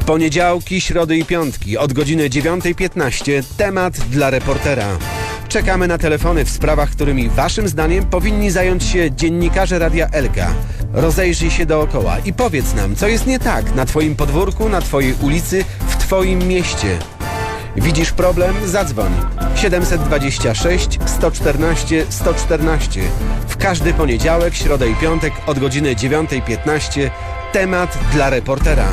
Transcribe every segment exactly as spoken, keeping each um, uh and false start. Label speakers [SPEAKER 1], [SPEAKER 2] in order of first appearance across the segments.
[SPEAKER 1] poniedziałki, środy i piątki od godziny dziewiątej piętnaście temat dla reportera. Czekamy na telefony w sprawach, którymi waszym zdaniem powinni zająć się dziennikarze Radia Elka. Rozejrzyj się dookoła i powiedz nam, co jest nie tak na twoim podwórku, na twojej ulicy, w twoim mieście. Widzisz problem? Zadzwoń. siedemset dwadzieścia sześć sto czternaście sto czternaście. W każdy poniedziałek, środę i piątek od godziny dziewiątej piętnaście temat dla reportera.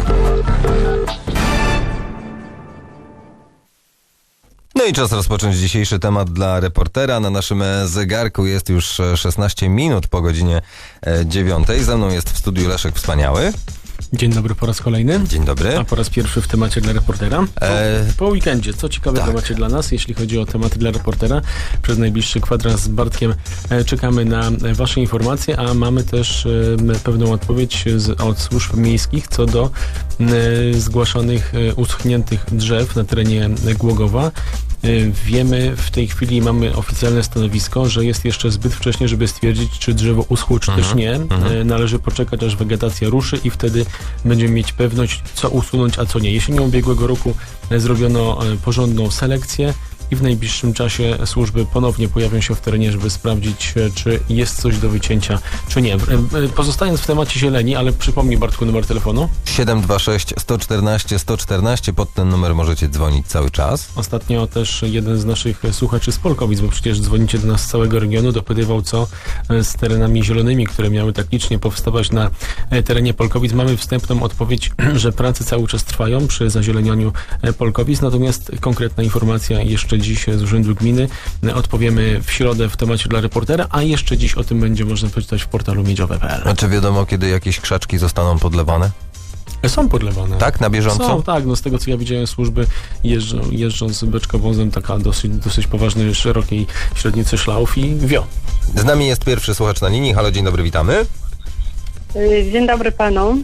[SPEAKER 2] No i czas rozpocząć dzisiejszy temat dla reportera. Na naszym zegarku jest już szesnaście minut po godzinie dziewiątej. Ze mną jest w studiu Leszek Wspaniały.
[SPEAKER 3] Dzień dobry po raz kolejny.
[SPEAKER 2] Dzień dobry.
[SPEAKER 3] A po raz pierwszy w temacie dla reportera. Po, e... po weekendzie. Co ciekawe tak. Temacie dla nas, jeśli chodzi o tematy dla reportera. Przez najbliższy kwadrans z Bartkiem e, czekamy na wasze informacje, a mamy też e, pewną odpowiedź z, od służb miejskich co do e, zgłaszanych e, uschniętych drzew na terenie Głogowa. Wiemy, w tej chwili mamy oficjalne stanowisko, że jest jeszcze zbyt wcześnie, żeby stwierdzić, czy drzewo uschło, czy mhm. też nie. Mhm. Należy poczekać, aż wegetacja ruszy i wtedy będziemy mieć pewność, co usunąć, a co nie. Jesienią ubiegłego roku zrobiono porządną selekcję i w najbliższym czasie służby ponownie pojawią się w terenie, żeby sprawdzić, czy jest coś do wycięcia, czy nie. Pozostając w temacie zieleni, ale przypomnij, Bartku, numer telefonu.
[SPEAKER 2] siedem dwa sześć sto czternaście sto czternaście. Pod ten numer możecie dzwonić cały czas.
[SPEAKER 3] Ostatnio też jeden z naszych słuchaczy z Polkowic, bo przecież dzwonicie do nas z całego regionu, dopytywał, co z terenami zielonymi, które miały tak licznie powstawać na terenie Polkowic. Mamy wstępną odpowiedź, że prace cały czas trwają przy zazielenianiu Polkowic, natomiast konkretna informacja jeszcze dziś z Urzędu Gminy. Odpowiemy w środę w temacie dla reportera, a jeszcze dziś o tym będzie można przeczytać w portalu miedziowe kropka p l.
[SPEAKER 2] A czy wiadomo, kiedy jakieś krzaczki zostaną podlewane?
[SPEAKER 3] Są podlewane.
[SPEAKER 2] Tak? Na bieżąco?
[SPEAKER 3] Są, tak. No z tego, co ja widziałem, służby jeżdżą, jeżdżą z beczkowozem, taka dosyć, dosyć poważnej, szerokiej średnicy szlauf i wio.
[SPEAKER 2] Z nami jest pierwszy słuchacz na linii. Halo, dzień dobry, witamy.
[SPEAKER 4] Dzień dobry panom.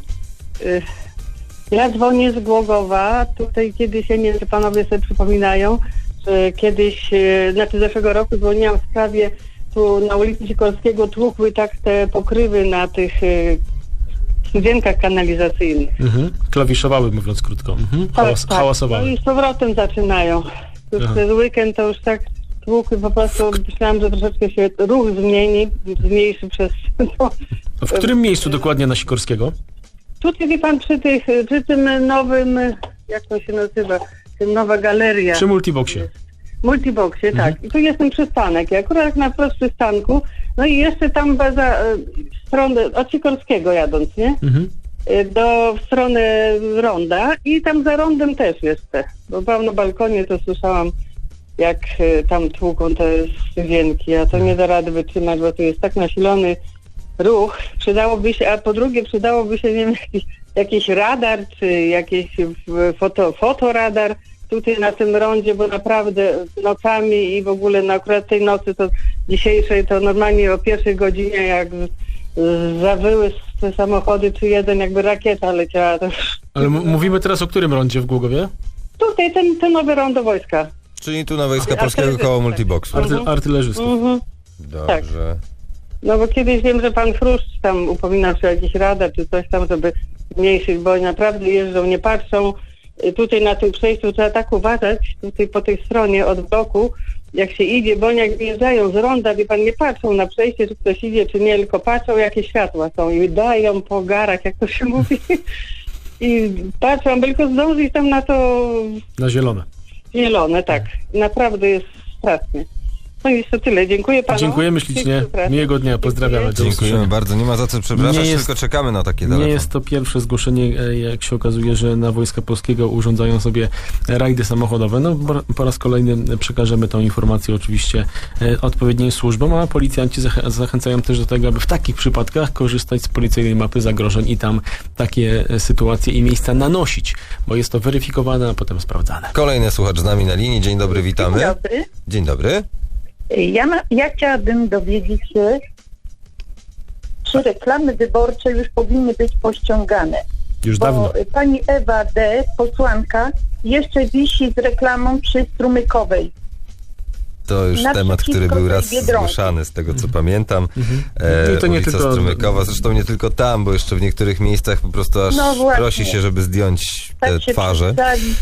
[SPEAKER 4] Ja dzwonię z Głogowa. Tutaj kiedyś, ja nie wiem, czy panowie sobie przypominają, że kiedyś, znaczy zeszłego roku dzwoniłam w sprawie, tu na ulicy Sikorskiego tłukły tak te pokrywy na tych studzienkach kanalizacyjnych.
[SPEAKER 3] Mhm. Klawiszowały, mówiąc krótko. Mhm. Hałas,
[SPEAKER 4] tak,
[SPEAKER 3] hałasowały.
[SPEAKER 4] No i z powrotem zaczynają. Już
[SPEAKER 3] Aha.
[SPEAKER 4] ten weekend to już tak tłukły, po prostu myślałam, że troszeczkę się ruch zmieni, zmniejszy przez to.
[SPEAKER 3] W którym miejscu dokładnie na Sikorskiego?
[SPEAKER 4] Tutaj, wie pan, przy tych, przy tym nowym, jak to się nazywa, tym nowa galeria.
[SPEAKER 3] Przy Multiboxie.
[SPEAKER 4] Multiboxie,
[SPEAKER 3] mhm.
[SPEAKER 4] tak. I tu jest ten przystanek. I akurat na wprost przystanku, no i jeszcze tam za stronę, od Sikorskiego jadąc, nie? Mhm. Do w stronę ronda i tam za rondem też jeszcze. Bo byłam na balkonie, to słyszałam, jak tam tłuką te studzienki, a to nie da rady wytrzymać, bo tu jest tak nasilony ruch. Przydałoby się, a po drugie przydałoby się, nie wiem, jakiś, jakiś radar, czy jakiś foto, fotoradar tutaj na tym rondzie, bo naprawdę nocami i w ogóle na akurat tej nocy, to dzisiejszej, to normalnie o pierwszej godzinie, jak zawyły te samochody, czy jeden jakby rakieta leciała. To...
[SPEAKER 3] Ale m- mówimy teraz o którym rondzie w Głogowie?
[SPEAKER 4] Tutaj, ten, ten nowy rondo wojska.
[SPEAKER 2] Czyli tu na Wojska Polskiego koło Multiboxu.
[SPEAKER 3] Arty, artylerzystów.
[SPEAKER 4] Mhm.
[SPEAKER 2] Dobrze.
[SPEAKER 4] Tak. No bo kiedyś wiem, że pan Fruszcz tam upominał się o jakiś radar, czy coś tam, żeby zmniejszyć, bo naprawdę jeżdżą, nie patrzą. Tutaj na tym przejściu trzeba tak uważać, tutaj po tej stronie od bloku, jak się idzie, bo jak wjeżdżają z ronda, wie pan, nie patrzą na przejście, czy ktoś idzie, czy nie, tylko patrzą, jakie światła są i dają po garach, jak to się mówi. I patrzą, by tylko zdążyć tam na to...
[SPEAKER 3] Na zielone.
[SPEAKER 4] Zielone, tak. Naprawdę jest strasznie. No i to tyle. Dziękuję panu.
[SPEAKER 3] Dziękujemy ślicznie. Miłego dnia. Pozdrawiamy.
[SPEAKER 2] Dziękujemy bardzo. Nie ma za co przepraszać, jest, tylko czekamy na takie telefony.
[SPEAKER 3] Nie jest to pierwsze zgłoszenie, jak się okazuje, że na Wojska Polskiego urządzają sobie rajdy samochodowe. No po raz kolejny przekażemy tą informację oczywiście odpowiednim służbom, a policjanci zachęcają też do tego, aby w takich przypadkach korzystać z policyjnej mapy zagrożeń i tam takie sytuacje i miejsca nanosić, bo jest to weryfikowane, a potem sprawdzane.
[SPEAKER 2] Kolejny słuchacz z nami na linii. Dzień dobry, witamy.
[SPEAKER 5] Dzień dobry.
[SPEAKER 2] Dzień dobry.
[SPEAKER 5] Ja, ma, ja chciałabym dowiedzieć się, czy reklamy wyborcze już powinny być pościągane.
[SPEAKER 3] Już
[SPEAKER 5] bo
[SPEAKER 3] dawno.
[SPEAKER 5] Pani Ewa D., posłanka, jeszcze wisi z reklamą przy Strumykowej.
[SPEAKER 2] To już temat,
[SPEAKER 5] naprzeciwko
[SPEAKER 2] który był
[SPEAKER 5] tej
[SPEAKER 2] raz
[SPEAKER 5] Biedronki.
[SPEAKER 2] zgłaszany, z tego co pamiętam.
[SPEAKER 3] I to nie
[SPEAKER 2] ulica
[SPEAKER 3] tylko-
[SPEAKER 2] Strumykowa, zresztą nie tylko tam, bo jeszcze w niektórych miejscach po prostu aż
[SPEAKER 5] No właśnie.
[SPEAKER 2] prosi się, żeby zdjąć te
[SPEAKER 5] Tak się
[SPEAKER 2] twarze.
[SPEAKER 5] przedstawi.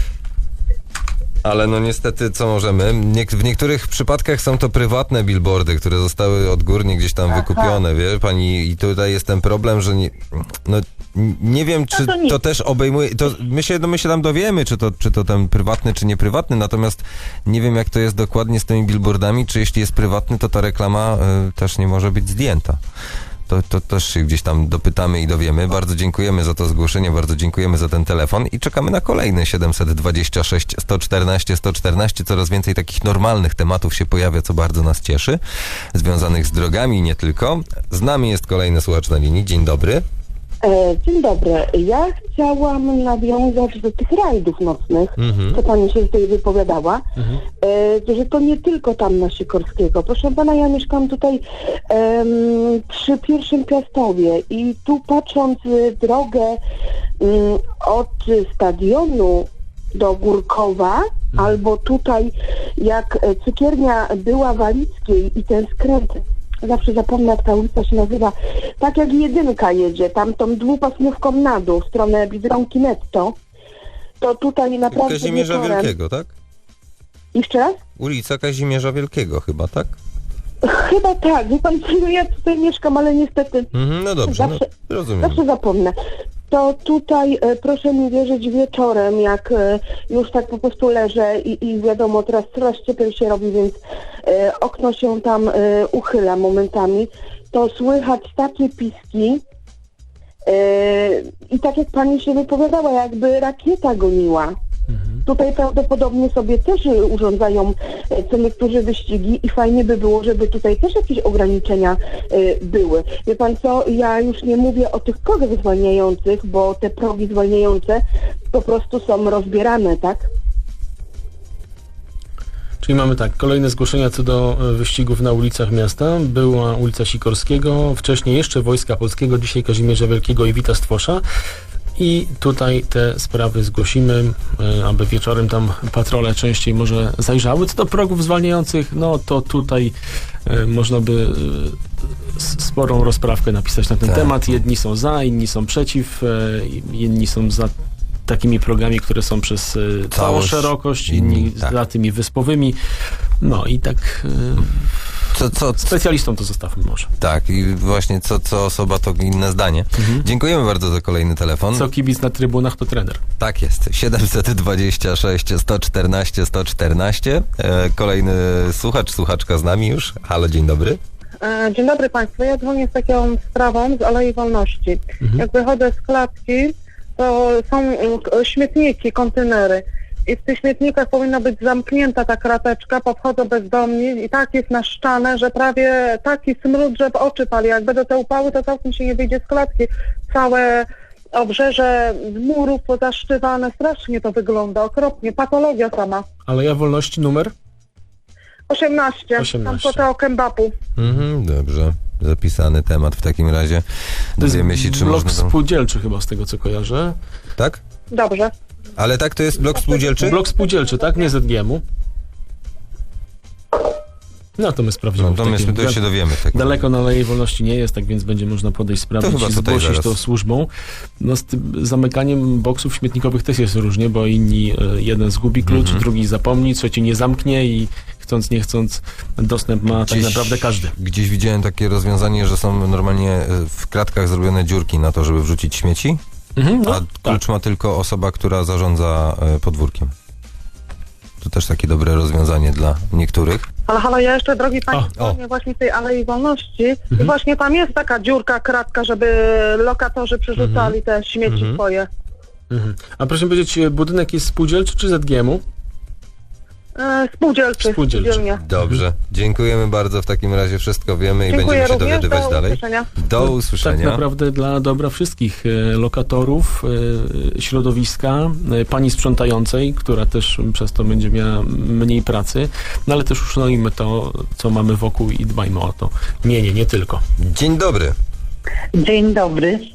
[SPEAKER 2] Ale no niestety, co możemy? Nie, w niektórych przypadkach są to prywatne billboardy, które zostały odgórnie gdzieś tam
[SPEAKER 5] Aha.
[SPEAKER 2] wykupione, wie pani? I tutaj jest ten problem, że nie, no, n- nie wiem, czy
[SPEAKER 5] to
[SPEAKER 2] to,
[SPEAKER 5] nic.
[SPEAKER 2] też obejmuje... To my, się, no, my się tam dowiemy, czy to, czy to ten prywatny, czy nieprywatny, natomiast nie wiem, jak to jest dokładnie z tymi billboardami, czy jeśli jest prywatny, to ta reklama y, też nie może być zdjęta. To, to też się gdzieś tam dopytamy i dowiemy. Bardzo dziękujemy za to zgłoszenie, bardzo dziękujemy za ten telefon i czekamy na kolejny siedemset dwadzieścia sześć sto czternaście sto czternaście. Coraz więcej takich normalnych tematów się pojawia, co bardzo nas cieszy, związanych z drogami i nie tylko. Z nami jest kolejny słuchacz na linii. Dzień dobry.
[SPEAKER 4] E, Dzień dobry. Ja chciałam nawiązać do tych rajdów nocnych,
[SPEAKER 2] Mhm.
[SPEAKER 4] co pani się tutaj wypowiadała, e, że to nie tylko tam na Sikorskiego. Proszę pana, ja mieszkam tutaj em, przy Pierwszym Piastowie i tu patrząc y, drogę mm, od stadionu do Górkowa, albo tutaj jak e, cukiernia była Walickiej i ten skręt, zawsze zapomnę, jak ta ulica się nazywa, tak jak jedynka jedzie, tam tą dwupasmówką na dół, w stronę Biedronki Netto, to tutaj naprawdę
[SPEAKER 2] Kazimierza
[SPEAKER 4] wieczorem...
[SPEAKER 2] Wielkiego, tak?
[SPEAKER 4] Jeszcze raz?
[SPEAKER 2] Ulica Kazimierza Wielkiego chyba, tak?
[SPEAKER 4] Chyba tak, wie pan, co, ja tutaj mieszkam, ale niestety
[SPEAKER 2] Mhm, no dobrze,
[SPEAKER 4] Zawsze-
[SPEAKER 2] no, rozumiem.
[SPEAKER 4] zawsze zapomnę. To tutaj, e, proszę mi wierzyć, wieczorem, jak e, już tak po prostu leżę i, i wiadomo, teraz coraz cieplej się robi, więc e, okno się tam e, uchyla momentami, to słychać takie piski e, i tak jak pani się wypowiadała, jakby rakieta goniła. Tutaj prawdopodobnie sobie też y, urządzają y, co niektórzy wyścigi i fajnie by było, żeby tutaj też jakieś ograniczenia y, były. Wie pan co, ja już nie mówię o tych progach zwalniających, bo te progi zwalniające po prostu są rozbierane, tak?
[SPEAKER 3] Czyli mamy tak, kolejne zgłoszenia co do e, wyścigów na ulicach miasta. Była ulica Sikorskiego, wcześniej jeszcze Wojska Polskiego, dzisiaj Kazimierza Wielkiego i Wita Stwosza. I tutaj te sprawy zgłosimy, e, aby wieczorem tam patrole częściej może zajrzały. Co do progów zwalniających, no to tutaj e, można by e, s- sporą rozprawkę napisać na ten
[SPEAKER 2] Tak.
[SPEAKER 3] temat. Jedni są za, inni są przeciw, e, inni są za takimi progami, które są przez e, całą
[SPEAKER 2] Całość,
[SPEAKER 3] szerokość,
[SPEAKER 2] inni,
[SPEAKER 3] inni
[SPEAKER 2] tak.
[SPEAKER 3] za tymi wyspowymi. No i tak e,
[SPEAKER 2] Co, co,
[SPEAKER 3] specjalistom to zostawmy może.
[SPEAKER 2] tak, i właśnie co, co osoba, to inne zdanie. Dziękujemy bardzo za kolejny telefon.
[SPEAKER 3] Co kibic na trybunach, to trener.
[SPEAKER 2] Tak jest. siedemset dwadzieścia sześć sto czternaście sto czternaście. E, kolejny słuchacz, słuchaczka z nami już. Halo, dzień dobry.
[SPEAKER 6] E, Dzień dobry Państwu. Ja dzwonię z taką sprawą z Alei Wolności. Jak wychodzę z klatki, to są e, śmietniki, kontenery. I w tych śmietnikach powinna być zamknięta ta krateczka, podchodzą bezdomni i tak jest naszczane, że prawie taki smród, że w oczy pali. Jak będą te upały, to całkiem się nie wyjdzie z klatki. Całe obrzeże z murów pozaszczywane, strasznie to wygląda, okropnie, patologia sama.
[SPEAKER 3] Ale ja wolności numer?
[SPEAKER 6] osiemnaście,
[SPEAKER 3] osiemnaście.
[SPEAKER 6] tam po kembapu.
[SPEAKER 2] Mhm, dobrze. Zapisany temat w takim razie.
[SPEAKER 3] To jest
[SPEAKER 2] Dowiemy się, czy
[SPEAKER 3] blok
[SPEAKER 2] można... tam-
[SPEAKER 3] spółdzielczy chyba, z tego co kojarzę.
[SPEAKER 2] Tak?
[SPEAKER 6] Dobrze.
[SPEAKER 2] Ale tak, to jest blok spółdzielczy?
[SPEAKER 3] Blok spółdzielczy, tak? Nie Z G M-u. No to my sprawdzimy.
[SPEAKER 2] No
[SPEAKER 3] w
[SPEAKER 2] to my
[SPEAKER 3] takim-
[SPEAKER 2] to się dowiemy. w takim
[SPEAKER 3] Daleko na Alei Wolności nie jest, tak więc będzie można podejść, sprawdzić
[SPEAKER 2] chyba
[SPEAKER 3] i
[SPEAKER 2] tutaj
[SPEAKER 3] zgłosić
[SPEAKER 2] zaraz.
[SPEAKER 3] to służbą. No z tym zamykaniem boksów śmietnikowych też jest różnie, bo inni, e, jeden zgubi klucz,
[SPEAKER 2] Mhm.
[SPEAKER 3] drugi zapomni, trzeci nie zamknie i chcąc, nie chcąc, dostęp ma tak
[SPEAKER 2] Gdzieś-
[SPEAKER 3] naprawdę każdy.
[SPEAKER 2] Gdzieś widziałem takie rozwiązanie, że są normalnie e, w kratkach zrobione dziurki na to, żeby wrzucić śmieci,
[SPEAKER 3] Mhm, no,
[SPEAKER 2] a klucz
[SPEAKER 3] tak.
[SPEAKER 2] ma tylko osoba, która zarządza e, podwórkiem. To też takie dobre rozwiązanie dla niektórych.
[SPEAKER 6] Ale halo, ja jeszcze, drogi Państwo,
[SPEAKER 2] O, o.
[SPEAKER 6] dzwonię właśnie w tej Alei Wolności i właśnie tam jest taka dziurka, kratka, żeby lokatorzy przerzucali te śmieci
[SPEAKER 2] Mhm.
[SPEAKER 6] swoje.
[SPEAKER 3] Mhm. A proszę powiedzieć, e, budynek jest spółdzielczy czy Z G M-u?
[SPEAKER 6] E, spółdzielczy,
[SPEAKER 3] Spółdzielczy.
[SPEAKER 6] spółdzielnie.
[SPEAKER 2] Dobrze. Dziękujemy bardzo. W takim razie wszystko wiemy i
[SPEAKER 6] Dziękuję
[SPEAKER 2] będziemy się
[SPEAKER 6] również,
[SPEAKER 2] dowiadywać
[SPEAKER 6] do
[SPEAKER 2] dalej.
[SPEAKER 6] usłyszenia.
[SPEAKER 2] Do
[SPEAKER 3] Tak
[SPEAKER 2] usłyszenia.
[SPEAKER 3] naprawdę dla dobra wszystkich e, lokatorów, e, środowiska, e, pani sprzątającej, która też przez to będzie miała mniej pracy, no ale też uszanujmy to, co mamy wokół i dbajmy o to. Nie, nie, nie tylko.
[SPEAKER 2] Dzień dobry.
[SPEAKER 5] Dzień dobry.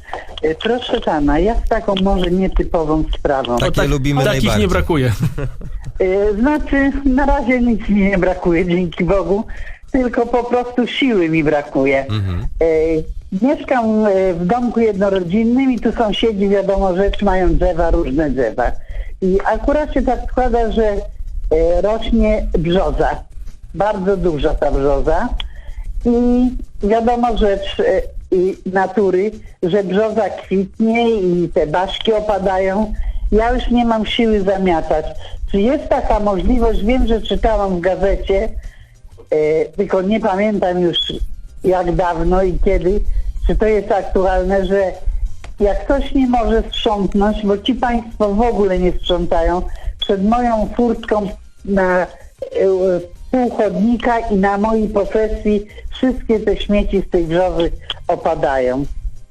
[SPEAKER 7] E, Proszę pana, ja z taką może nietypową sprawą.
[SPEAKER 2] Takie
[SPEAKER 3] tak,
[SPEAKER 2] lubimy
[SPEAKER 3] takich
[SPEAKER 2] najbardziej.
[SPEAKER 3] nie brakuje.
[SPEAKER 7] E, Znaczy, na razie nic mi nie brakuje, dzięki Bogu, tylko po prostu siły mi brakuje.
[SPEAKER 2] Mhm.
[SPEAKER 7] E, Mieszkam e, w domku jednorodzinnym i tu sąsiedzi, wiadomo rzecz, mają drzewa, różne drzewa. I akurat się tak składa, że e, rośnie brzoza. Bardzo duża ta brzoza. I wiadomo rzecz e, i natury, że brzoza kwitnie i te baszki opadają. Ja już nie mam siły zamiatać. Czy jest taka możliwość? Wiem, że czytałam w gazecie, e, tylko nie pamiętam już jak dawno i kiedy, czy to jest aktualne, że jak ktoś nie może sprzątnąć, bo ci państwo w ogóle nie sprzątają, przed moją furtką na e, pół chodnika i na mojej posesji wszystkie te śmieci z tej brzozy opadają.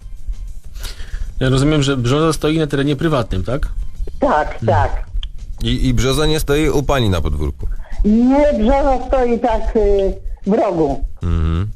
[SPEAKER 3] Ja rozumiem, że brzoza stoi na terenie prywatnym, tak?
[SPEAKER 7] Tak, tak.
[SPEAKER 2] I, I brzoza nie stoi u pani na podwórku.
[SPEAKER 7] Nie, brzoza stoi tak y, w rogu.
[SPEAKER 2] Mhm.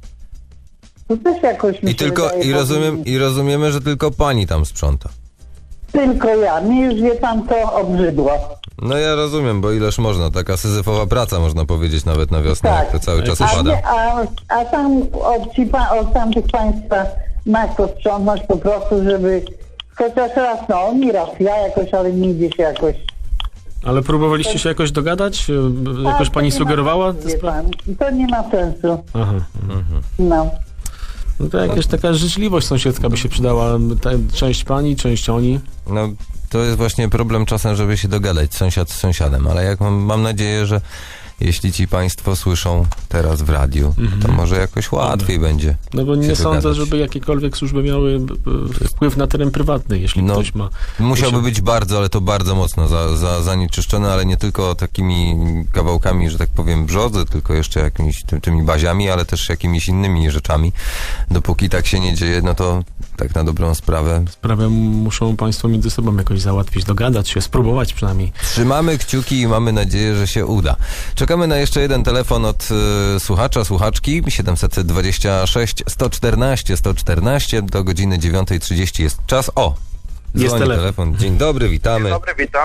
[SPEAKER 7] To też jakoś mi
[SPEAKER 2] I
[SPEAKER 7] się
[SPEAKER 2] tylko,
[SPEAKER 7] wydaje,
[SPEAKER 2] i, rozumiem,
[SPEAKER 7] powinni-
[SPEAKER 2] i rozumiemy, że tylko pani tam sprząta.
[SPEAKER 7] Tylko ja. Mnie już, wie pan, to obrzydło.
[SPEAKER 2] No ja rozumiem, bo ileż można, taka syzyfowa praca, można powiedzieć, nawet na wiosnę,
[SPEAKER 7] Tak.
[SPEAKER 2] jak to cały czas
[SPEAKER 7] A,
[SPEAKER 2] upada.
[SPEAKER 7] nie, a, a tam od, ci, pa- od tamtych państwa ma kto sprzątnąć po prostu, żeby chociaż raz, no nie raz, ja jakoś, ale nie idzie się jakoś.
[SPEAKER 3] Ale próbowaliście się jakoś dogadać? E, Jakoś
[SPEAKER 7] A, to
[SPEAKER 3] pani
[SPEAKER 7] nie ma
[SPEAKER 3] sugerowała
[SPEAKER 7] sensu,
[SPEAKER 3] tę
[SPEAKER 7] wie
[SPEAKER 3] sprawę?
[SPEAKER 7] pan. To nie ma sensu.
[SPEAKER 3] Aha.
[SPEAKER 7] No.
[SPEAKER 3] No to jakaś taka życzliwość sąsiedzka by się przydała. Ta, część pani, część oni.
[SPEAKER 2] No, to jest właśnie problem czasem, żeby się dogadać sąsiad z sąsiadem, ale jak mam, mam nadzieję, że jeśli ci państwo słyszą teraz w radiu, to może jakoś łatwiej będzie.
[SPEAKER 3] No bo nie
[SPEAKER 2] się
[SPEAKER 3] sądzę,
[SPEAKER 2] dogadać.
[SPEAKER 3] żeby jakiekolwiek służby miały b- b- wpływ na teren prywatny, jeśli
[SPEAKER 2] No,
[SPEAKER 3] ktoś ma...
[SPEAKER 2] Musiałby być bardzo, ale to bardzo mocno za, za, zanieczyszczony, ale nie tylko takimi kawałkami, że tak powiem, brzozy, tylko jeszcze jakimiś ty, tymi baziami, ale też jakimiś innymi rzeczami. Dopóki tak się nie dzieje, no to tak na dobrą sprawę.
[SPEAKER 3] Sprawę muszą państwo między sobą jakoś załatwić, dogadać się, spróbować przynajmniej.
[SPEAKER 2] Trzymamy kciuki i mamy nadzieję, że się uda. Czekamy na jeszcze jeden telefon od y, słuchacza, słuchaczki. siedemset dwadzieścia sześć sto czternaście sto czternaście do godziny dziewiąta trzydzieści jest czas. O!
[SPEAKER 3] Jest
[SPEAKER 2] Dzwoni
[SPEAKER 3] telefon.
[SPEAKER 2] telefon. Dzień dobry, witamy.
[SPEAKER 8] Dzień dobry, witam.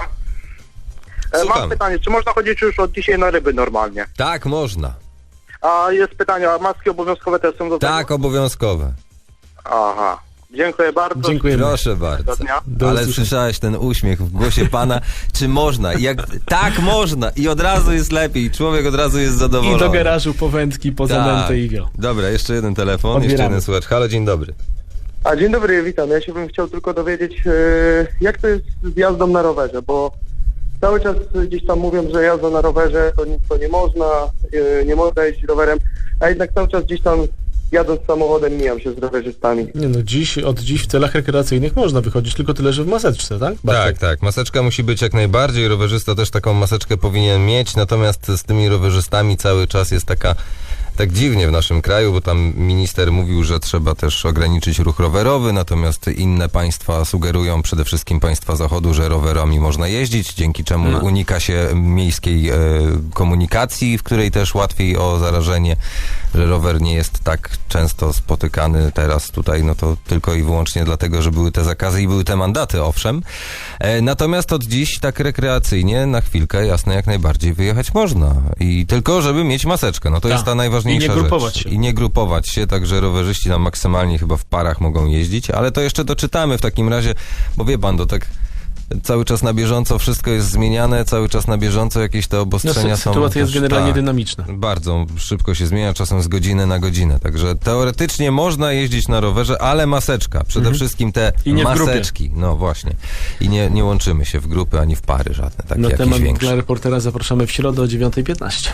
[SPEAKER 8] E,
[SPEAKER 2] Słucham.
[SPEAKER 8] Mam pytanie, czy można chodzić już od dzisiaj na ryby normalnie?
[SPEAKER 2] Tak, można.
[SPEAKER 8] A jest pytanie, a maski obowiązkowe też są do tego?
[SPEAKER 2] Tak, obowiązkowe.
[SPEAKER 8] Aha. Dziękuję bardzo.
[SPEAKER 3] Dziękujemy.
[SPEAKER 2] Proszę bardzo.
[SPEAKER 8] Do dnia.
[SPEAKER 3] Do
[SPEAKER 2] Ale
[SPEAKER 3] usłyszenia.
[SPEAKER 2] słyszałeś ten uśmiech w głosie pana. Czy można? Jak, tak, można. I od razu jest lepiej. Człowiek od razu jest zadowolony.
[SPEAKER 3] I do garażu po wędki, po zanętę i go.
[SPEAKER 2] Dobra, jeszcze jeden telefon, jeszcze
[SPEAKER 3] Odbieramy.
[SPEAKER 2] jeden słuchacz. Halo, dzień dobry.
[SPEAKER 8] A dzień dobry, witam. Ja się bym chciał tylko dowiedzieć, e, jak to jest z jazdą na rowerze, bo cały czas gdzieś tam mówią, że jazda na rowerze to, nie- to nie można, e, nie można jeździć rowerem, a jednak cały czas gdzieś tam jadąc samochodem mijam się z rowerzystami.
[SPEAKER 3] Nie no, dziś, od dziś w celach rekreacyjnych można wychodzić, tylko tyle, że w maseczce, tak?
[SPEAKER 2] Tak,
[SPEAKER 3] Bartek?
[SPEAKER 2] tak. Maseczka musi być jak najbardziej. Rowerzysta też taką maseczkę powinien mieć, natomiast z tymi rowerzystami cały czas jest taka tak dziwnie w naszym kraju, bo tam minister mówił, że trzeba też ograniczyć ruch rowerowy, natomiast inne państwa sugerują, przede wszystkim państwa zachodu, że rowerami można jeździć, dzięki czemu
[SPEAKER 3] No.
[SPEAKER 2] unika się miejskiej e, komunikacji, w której też łatwiej o zarażenie, że rower nie jest tak często spotykany teraz tutaj, no to tylko i wyłącznie dlatego, że były te zakazy i były te mandaty, owszem. E, natomiast od dziś tak rekreacyjnie, na chwilkę, jasne, jak najbardziej wyjechać można. I tylko, żeby mieć maseczkę, no to
[SPEAKER 3] Tak.
[SPEAKER 2] jest ta najważniejsza
[SPEAKER 3] I nie
[SPEAKER 2] rzecz.
[SPEAKER 3] grupować się.
[SPEAKER 2] I nie grupować się, także rowerzyści tam maksymalnie chyba w parach mogą jeździć, ale to jeszcze doczytamy w takim razie, bo wie pan, to tak cały czas na bieżąco wszystko jest zmieniane, cały czas na bieżąco jakieś te
[SPEAKER 3] No,
[SPEAKER 2] obostrzenia
[SPEAKER 3] sy-
[SPEAKER 2] są...
[SPEAKER 3] sytuacja jest
[SPEAKER 2] też-
[SPEAKER 3] generalnie
[SPEAKER 2] tak,
[SPEAKER 3] dynamiczna.
[SPEAKER 2] bardzo szybko się zmienia, czasem z godziny na godzinę, także teoretycznie można jeździć na rowerze, ale maseczka, przede
[SPEAKER 3] Mhm.
[SPEAKER 2] wszystkim te
[SPEAKER 3] I nie w grupie.
[SPEAKER 2] maseczki, no właśnie. I nie, nie łączymy się w grupy ani w pary żadne, takie
[SPEAKER 3] Na
[SPEAKER 2] jakieś
[SPEAKER 3] temat
[SPEAKER 2] większe.
[SPEAKER 3] dla reportera zapraszamy w środę o dziewiąta piętnaście.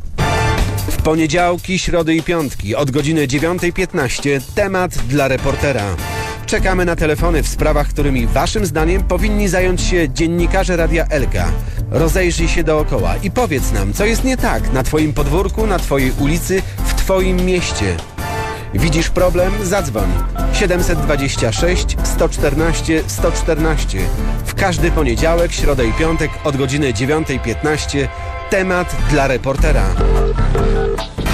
[SPEAKER 1] W poniedziałki, środy i piątki od godziny dziewiąta piętnaście temat dla reportera. Czekamy na telefony w sprawach, którymi waszym zdaniem powinni zająć się dziennikarze Radia Elka. Rozejrzyj się dookoła i powiedz nam, co jest nie tak na twoim podwórku, na twojej ulicy, w twoim mieście. Widzisz problem? Zadzwoń. siedemset dwadzieścia sześć sto czternaście sto czternaście. W każdy poniedziałek, środę i piątek od godziny dziewiąta piętnaście temat dla reportera.